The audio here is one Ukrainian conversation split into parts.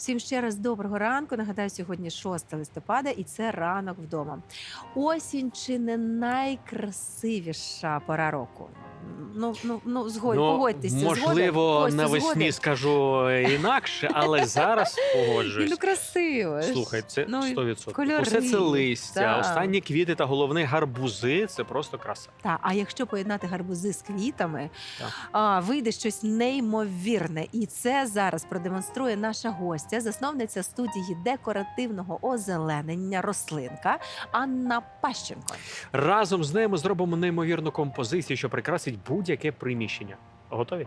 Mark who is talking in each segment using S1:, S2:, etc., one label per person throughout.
S1: Всім ще раз доброго ранку. Нагадаю, сьогодні 6 листопада і це ранок вдома. Осінь чи не найкрасивіша пора року? Погодьтеся.
S2: Можливо,
S1: Костя,
S2: навесні
S1: згоден?
S2: скажу інакше, але зараз погоджуюсь.
S1: Красиво.
S2: Слухай, це 100%.
S1: кольори.
S2: Усе це листя,
S1: Так.
S2: останні квіти та головне гарбузи – це просто краса.
S1: А якщо поєднати гарбузи з квітами,
S2: Так.
S1: вийде щось неймовірне. І це зараз продемонструє наша гостя, засновниця студії декоративного озеленення рослинка Анна Пащенко.
S2: Разом з нею ми зробимо неймовірну композицію, що прикрасить будь-яке приміщення. Готові?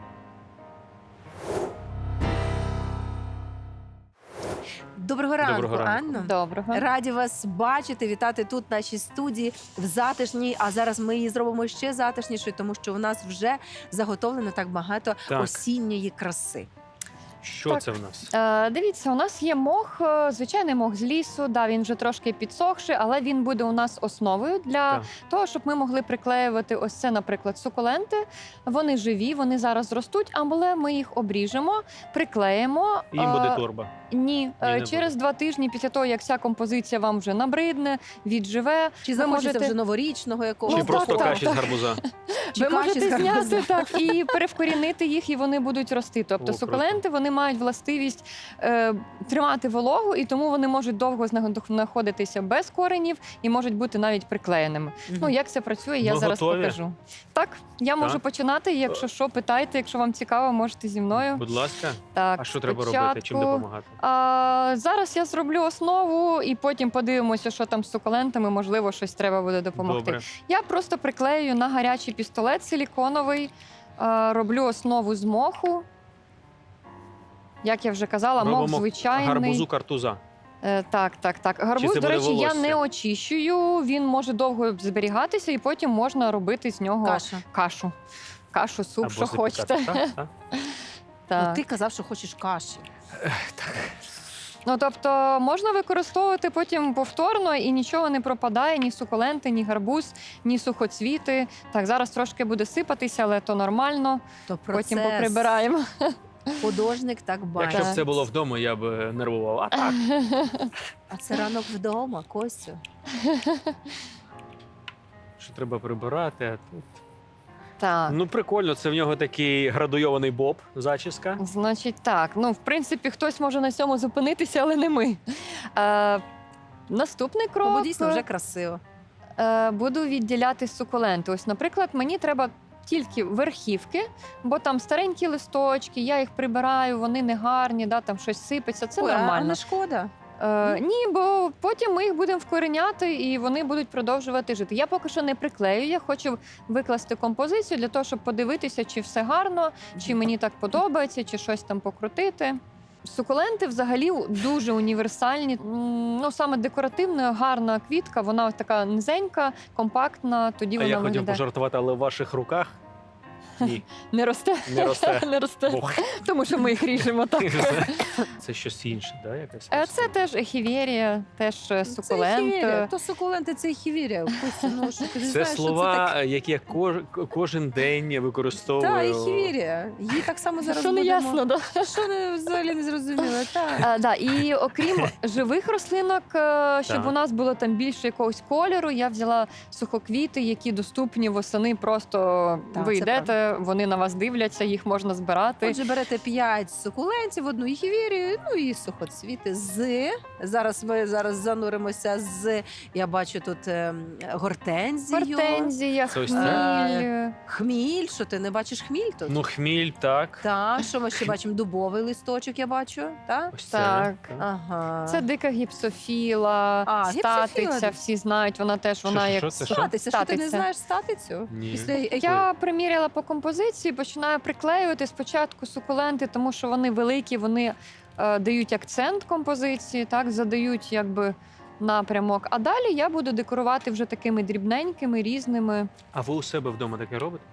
S1: Доброго ранку, Анно.
S3: Доброго.
S1: Раді вас бачити, вітати тут в нашій студії в затишній. А зараз ми її зробимо ще затишнішою, тому що у нас вже заготовлено так багато
S2: Так.
S1: осінньої краси.
S2: Що
S3: Так.
S2: це в нас?
S3: Дивіться, у нас є мох, звичайний мох з лісу. Да, він вже трошки підсохший, але він буде у нас основою для
S2: Так.
S3: того, щоб ми могли приклеювати ось це, наприклад, сукуленти. Вони живі, вони зараз ростуть, але ми їх обріжемо, приклеїмо.
S2: Їм буде торба.
S3: Ні,
S2: не
S3: через 2 тижні після того, як ця композиція вам вже набридне, відживе,
S1: Чи
S3: ви
S1: захочеться
S3: можете
S1: вже новорічного якогось?
S2: Чи
S3: Ну,
S2: просто
S3: так,
S2: каші з гарбуза?
S1: Чи
S3: ви
S1: каші з
S3: можете
S1: гарбуза?
S3: зняти так і перевкорінити їх, і вони будуть рости. Тобто
S2: О, круто.
S3: сукуленти вони мають властивість тримати вологу, і тому вони можуть довго знаходитися без коренів і можуть бути навіть приклеєними.
S1: Мгм.
S3: Ну як це працює, я
S2: Ми
S3: зараз
S2: готові?
S3: покажу. Так, я можу починати. Якщо що, питайте, якщо вам цікаво, можете зі мною.
S2: Будь ласка.
S3: Так,
S2: А що треба робити? Чим
S3: спочатку,
S2: допомагати?
S3: Зараз я зроблю основу, і потім подивимося, що там з сукулентами. Можливо, щось треба буде допомогти.
S2: Добре.
S3: Я просто приклею на гарячий пістолет силіконовий, роблю основу з моху. Як я вже казала, мох
S2: Робимо
S3: звичайний.
S2: гарбузу картуза.
S3: Так. Гарбуз,
S2: це
S3: до
S2: буде
S3: речі, я
S2: волосся?
S3: не очищую. Він може довго зберігатися, і потім можна робити з нього
S1: Каша.
S3: кашу, суп,
S2: Або
S3: що
S2: запікати,
S3: хочете.
S2: так?
S3: Так.
S1: Ти казав, що хочеш каші.
S3: Ну, тобто можна використовувати потім повторно і нічого не пропадає, ні сукуленти, ні гарбуз, ні сухоцвіти. Так, зараз трошки буде сипатися, але то нормально.
S1: То
S3: Потім
S1: процес.
S3: поприбираємо.
S1: Художник так бачить.
S2: Якщо б це було вдома, я б нервував. А так.
S1: А це ранок вдома, Костю.
S2: Що треба прибирати, а тут.
S3: Так.
S2: Ну, прикольно, це в нього такий градуйований боб, зачіска.
S3: Значить, так. Ну, в принципі, хтось може на цьому зупинитися, але не ми. Наступний крок.
S1: Бо дійсно вже красиво.
S3: Буду відділяти сукуленти. Ось, наприклад, мені треба тільки верхівки, бо там старенькі листочки, я їх прибираю, вони не гарні, да, там щось сипеться. Це
S1: Ой, а
S3: нормально.
S1: не шкода.
S3: Ні, бо потім ми їх будемо вкореняти і вони будуть продовжувати жити. Я поки що не приклею, я хочу викласти композицію для того, щоб подивитися, чи все гарно, чи мені так подобається, чи щось там покрутити. Сукуленти взагалі дуже універсальні. Ну, саме декоративна, гарна квітка, вона ось така низенька, компактна, тоді
S2: А
S3: вона
S2: я хотів
S3: виглядає.
S2: пожартувати, але в ваших руках ні,
S3: Не росте?
S2: не росте.
S3: Не росте,
S2: Бог.
S3: тому що ми їх ріжемо так.
S2: Це щось інше, да? Якась
S3: Це теж ехіверія, теж
S1: Це
S3: сукулент.
S1: хівірія. То сукуленти, це хівірія. Костю, ну, що ти не
S2: Це
S1: знаєш, що
S2: слова, які я кожен день використовую.
S1: Так, і хівірія. Її так само зараз
S3: Що не
S1: будемо.
S3: ясно, да?
S1: Що не взагалі не зрозуміло. Так.
S3: Да, і окрім живих рослинок, щоб
S2: Так.
S3: у нас було там більше якогось кольору, я взяла сухоквіти, які доступні восени. Просто
S1: Так,
S3: ви
S1: це
S3: йдете, вони на вас дивляться, їх можна збирати.
S1: Отже, берете 5 сукулентів, одну хівірію, ну і сухоцвіти з. Зараз ми зануримося з. Я бачу тут гортензію.
S3: Гортензія,
S2: Це ось
S3: хміль.
S1: Хміль. Що ти не бачиш хміль тут?
S2: Ну, хміль, так.
S1: Так, що ми ще бачимо? Дубовий листочок, я бачу. Так?
S2: Ось це.
S3: Так.
S1: Ага.
S3: Це дика гіпсофіла,
S1: гіпсофіла.
S3: статиця, всі знають, вона теж вона як
S2: Це що?
S1: Статиця, що ти не
S3: Статиця.
S1: знаєш статицю?
S2: Ні.
S1: Після
S3: Я приміряла по композиції, починаю приклеювати спочатку сукуленти, тому що вони великі, вони дають акцент композиції, так, задають якби напрямок. А далі я буду декорувати вже такими дрібненькими, різними.
S2: А ви у себе вдома таке робите?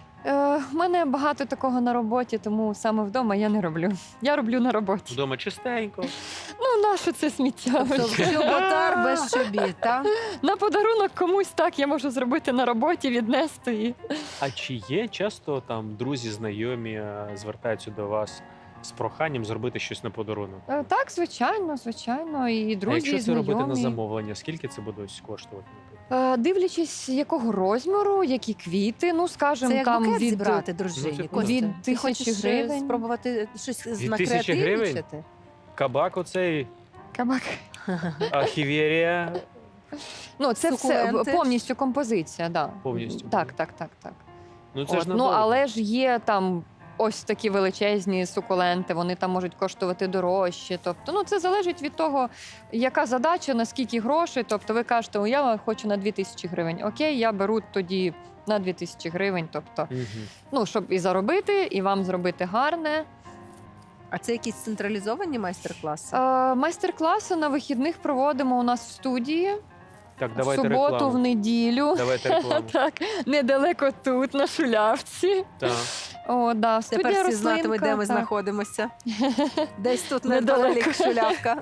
S3: В мене багато такого на роботі, тому саме вдома я не роблю. Я роблю на роботі.
S2: Вдома чистенько.
S3: Ну, нащо це сміття?
S1: Тобто чоботар без чобіт, так?
S3: На подарунок комусь так я можу зробити на роботі, віднести.
S2: А чи є часто там друзі, знайомі звертаються до вас з проханням зробити щось на подарунок.
S3: Так, звичайно, звичайно. І
S2: А
S3: друзі,
S2: якщо
S3: і
S2: це робити на
S3: знайомі.
S2: замовлення, скільки це буде ось коштувати?
S3: Дивлячись, якого розміру, які квіти, ну,
S1: Це
S3: скажімо,
S1: як
S3: там
S1: букет
S3: від
S1: зібрати дружині.
S2: типу,
S1: Костя.
S3: від
S1: Ти
S3: 1000
S1: хочеш
S3: гривень.
S1: спробувати щось
S2: Від 1000 гривень?
S1: накреативничати?
S2: Кабак оцей,
S3: кабак.
S2: ахівєрія.
S3: Ну, це все
S1: Сукуленти.
S3: повністю композиція, да.
S2: Повністю.
S3: Так.
S2: Ну це ж
S3: Ну,
S2: надовго.
S3: але ж є там ось такі величезні сукуленти, вони там можуть коштувати дорожче. Тобто, ну, це залежить від того, яка задача, наскільки грошей. Тобто ви кажете, о, я хочу на 2000 гривень. Окей, я беру тоді на 2000 гривень. Тобто,
S2: Мгм.
S3: ну, щоб і заробити, і вам зробити гарне.
S1: А це якісь централізовані майстер-класи?
S3: Майстер-класи на вихідних проводимо у нас в студії.
S2: Так,
S3: В
S2: давайте
S3: суботу, в
S2: рекламу.
S3: неділю.
S2: Давайте рекламу.
S3: Так, недалеко тут, на Шулявці.
S2: Так.
S3: О, да, студія
S1: Тепер всі
S3: рослинка.
S1: знатимуть, де ми
S3: так.
S1: знаходимося. Десь тут
S3: Недалеко.
S1: неподалік Шулявка.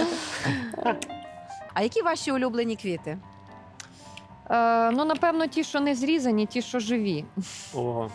S1: А які ваші улюблені квіти?
S3: Ну, напевно, ті, що не зрізані, ті, що живі.
S2: О,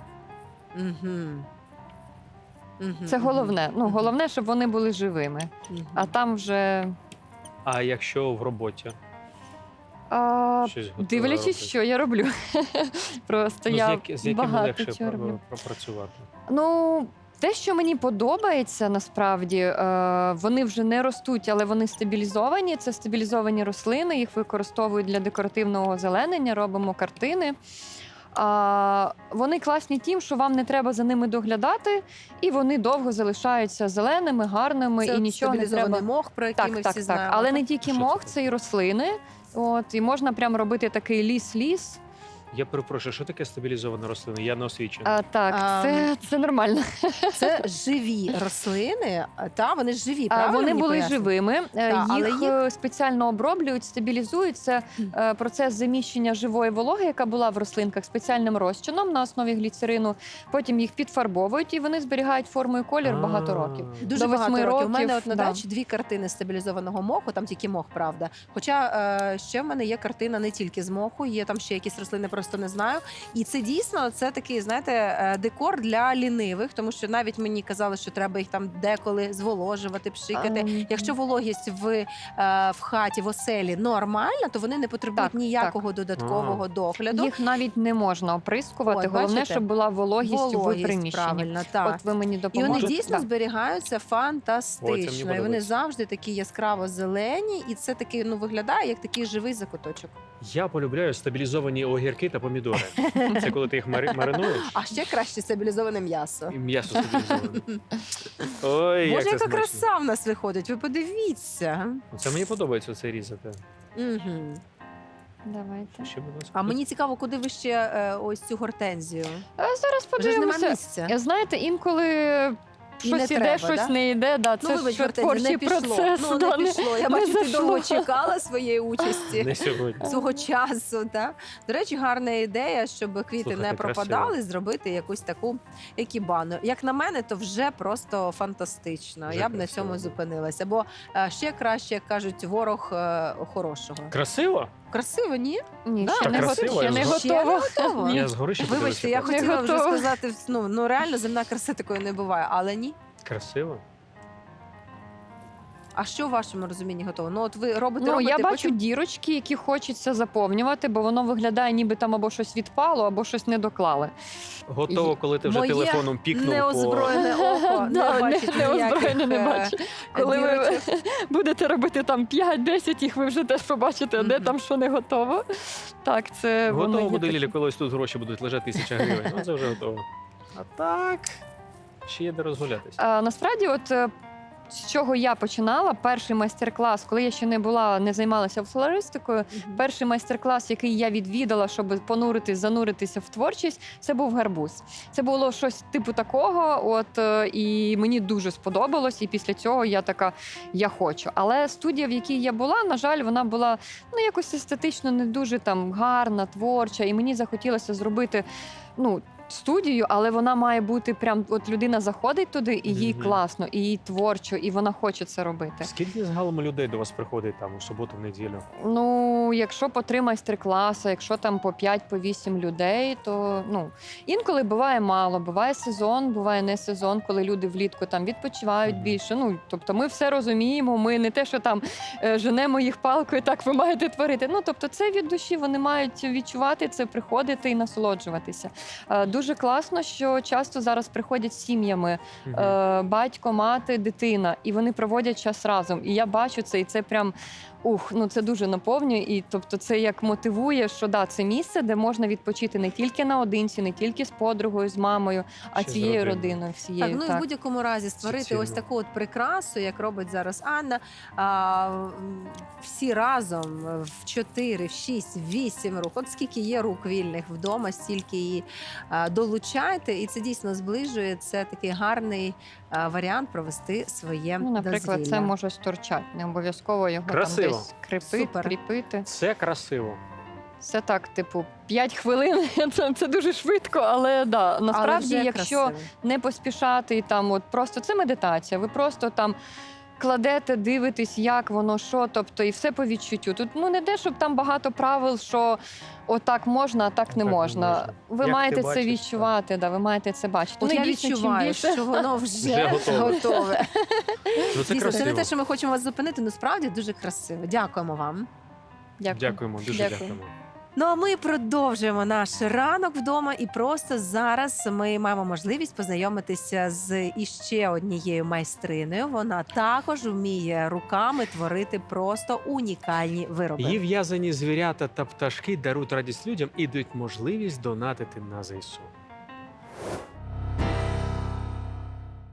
S3: Це головне. Ну, головне, щоб вони були живими. А там вже
S2: а якщо в роботі щось готове
S3: дивлячись,
S2: робити?
S3: що я роблю. Просто
S2: Ну,
S3: я
S2: з якими
S3: багато
S2: легше
S3: чого роблю.
S2: пропрацювати?
S3: Ну, те, що мені подобається, насправді, вони вже не ростуть, але вони стабілізовані. Це стабілізовані рослини, їх використовують для декоративного озеленення, робимо картини. Вони класні тим, що вам не треба за ними доглядати, і вони довго залишаються зеленими, гарними,
S1: Це
S3: і нічого не
S1: стабілізований
S3: треба.
S1: мох, про який ми всі знаємо.
S3: Але не тільки
S2: Що це
S3: мох,
S2: таке?
S3: це і рослини. От, і можна прям робити такий ліс-ліс.
S2: Я перепрошую, що таке стабілізована рослина? Я не освічений.
S3: Так, це нормально.
S1: Це живі рослини, вони ж живі, правильно?
S3: Вони
S1: мені
S3: були
S1: пояснюють?
S3: живими,
S1: але
S3: їх спеціально оброблюють, стабілізують. Це процес заміщення живої вологи, яка була в рослинках, спеціальним розчином на основі гліцерину. Потім їх підфарбовують і вони зберігають форму і колір багато років.
S1: Дуже
S3: До 8
S1: багато років. У мене
S3: років,
S1: от на
S3: да.
S1: дачі 2 картини стабілізованого моху, там тільки мох, правда. Хоча ще в мене є картина не тільки з моху, є там ще якісь рослини, просто не знаю. І це дійсно це такий, знаєте, декор для лінивих, тому що навіть мені казали, що треба їх там деколи зволожувати, пшикати. Якщо вологість в хаті, в оселі нормальна, то вони не потребують
S3: Так,
S1: ніякого додаткового догляду.
S3: Їх навіть не можна оприскувати.
S1: От,
S3: Головне,
S1: бачите?
S3: щоб була вологість в приміщенні.
S1: правильно, так.
S3: От ви мені
S1: І
S3: допоможете.
S1: вони дійсно
S3: Да.
S1: зберігаються
S2: Ой, це
S1: фантастично.
S2: мені
S1: І вони
S2: подобається.
S1: завжди такі яскраво зелені, і це такий виглядає як такий живий закуточок.
S2: Я полюбляю стабілізовані огірки та помідори. Це коли ти їх маринуєш,
S1: А ще краще стабілізоване м'ясо.
S2: і м'ясо стабілізоване. Ой,
S1: Боже,
S2: як це
S1: яка
S2: смачно.
S1: краса в нас виходить. Ви подивіться.
S2: Це мені подобається це різати.
S1: Угу.
S3: Давайте.
S2: Ще, будь ласка.
S1: А мені цікаво, куди ви ще ось цю гортензію.
S3: Зараз
S1: Вже ж нема
S3: подивимося.
S1: місця.
S3: Знаєте, інколи
S1: І не
S3: щось іде,
S1: треба,
S3: щось
S1: да?
S3: не йде. Да, це
S1: Ну, вибач,
S3: ж
S1: Гортензія,
S3: творчий
S1: не пішло.
S3: процес.
S1: Ну,
S3: да,
S1: не пішло. Я
S3: не
S1: бачу, ти
S3: зайшло.
S1: довго чекала своєї участі.
S2: Не сьогодні.
S1: Свого часу, та до речі, гарна ідея, щоб квіти
S2: Слухайте,
S1: не пропадали,
S2: красиво.
S1: зробити якусь таку екібану. Як на мене, то вже просто фантастично.
S2: Вже
S1: Я б на
S2: красиво,
S1: цьому
S2: да.
S1: зупинилася. Бо ще краще, як кажуть, ворог хорошого.
S2: Красиво?
S1: Красиво, ні?
S3: Ні,
S1: Да,
S3: ще
S2: так
S3: не
S2: красиво,
S3: готово. Ще
S2: я
S3: не
S2: згоден.
S1: Ще не
S3: готово.
S1: готово?
S2: Я згори ще
S1: Вибачте, я
S2: подивлюся.
S1: хотіла вже
S3: готова.
S1: сказати, ну реально земна краса такої не буває, але ні.
S2: Красиво?
S1: А що в вашому розумінні готово? Ну, от ви робите,
S3: Ну,
S1: робите,
S3: я бачу
S1: потім...
S3: дірочки, які хочеться заповнювати, бо воно виглядає, ніби там або щось відпало, або щось не доклали.
S2: Готово, коли ти вже
S1: Моє
S2: телефоном пікнув по...
S1: неозброєне око не
S3: Да,
S1: бачить
S3: неозброєне не
S1: ніяких,
S3: бачить. Коли ви
S1: дірочок.
S3: будете робити там 5-10, їх ви вже теж побачите, де
S1: Мгм.
S3: там що не готово. Так, це воно
S2: Готово
S3: є
S2: буде,
S3: таке.
S2: Лілі, коли ось тут гроші будуть лежати 1000 гривень. Ну, це вже готово. А так, ще є де розгулятися.
S3: Насправді, от з чого я починала, перший майстер-клас, коли я ще не займалася флористикою, перший майстер-клас, який я відвідала, щоб зануритися в творчість, це був гарбуз. Це було щось типу такого, і мені дуже сподобалось, і після цього я така, я хочу. Але студія, в якій я була, на жаль, вона була якось естетично не дуже там гарна, творча, і мені захотілося зробити, студію, але вона має бути прям, от людина заходить туди, і їй
S2: Мгм.
S3: класно, і їй творчо, і вона хоче це робити.
S2: Скільки загалом людей до вас приходить там у суботу, в неділю?
S3: Ну, якщо по 3 майстер-класи, якщо там по 5-8 людей, то інколи буває мало, буває сезон, буває не сезон, коли люди влітку там відпочивають
S2: Мгм.
S3: більше. Ну, тобто ми все розуміємо, ми не те, що там женемо їх палкою, так ви маєте творити. Ну, тобто це від душі, вони мають відчувати це, приходити і насолоджуватися. Дуже класно, що часто зараз приходять з сім'ями, батько, мати, дитина, і вони проводять час разом. І я бачу це, і це прям це дуже наповнює. І тобто це як мотивує, що да, це місце, де можна відпочити не тільки наодинці, не тільки з подругою, з мамою, а
S2: Ще з
S3: цією
S2: родиною.
S3: родиною, всією.
S1: Так, ну і в будь-якому разі створити
S2: цінно.
S1: ось таку от прикрасу, як робить зараз Анна. Всі разом в 4, в 6, в 8 рук. От скільки є рук вільних вдома, стільки її долучайте, і це дійсно зближує. Це такий гарний варіант провести своє
S3: Наприклад,
S1: дозвілля.
S3: це може сторчати, не обов'язково його
S2: Красиво.
S3: там десь
S1: Супер.
S3: кріпити.
S2: Це красиво.
S3: Це так, типу, 5 хвилин, це дуже швидко, але да, насправді,
S1: Але вже
S3: якщо
S1: красиво.
S3: не поспішати, і там от просто це медитація, ви просто там кладете, дивитесь, як воно, що, тобто, і все по відчуттю. Тут не те, щоб там багато правил, що отак можна, а так не
S2: Так не
S3: можна.
S2: можна.
S3: Ви
S2: Як
S3: маєте
S2: ти
S3: це
S2: бачиш,
S3: відчувати, да, ви маєте це бачити.
S1: От
S3: Ну, і
S1: я
S3: дійсно, чим
S1: відчуваю,
S3: більше-
S1: що воно
S2: Вже
S1: вже
S2: готове.
S1: готове.
S2: Ну, це
S1: Дійсно, це не
S2: красиво.
S1: те, що ми хочемо вас зупинити, але справді дуже красиво. Дякуємо вам.
S2: Дякуємо, дуже
S3: Дякую.
S2: дякуємо.
S1: Ну а ми продовжуємо наш ранок вдома, і просто зараз ми маємо можливість познайомитися з іще однією майстриною. Вона також вміє руками творити просто унікальні вироби.
S2: Її в'язані звірята та пташки дарують радість людям і дають можливість донатити на ЗСУ.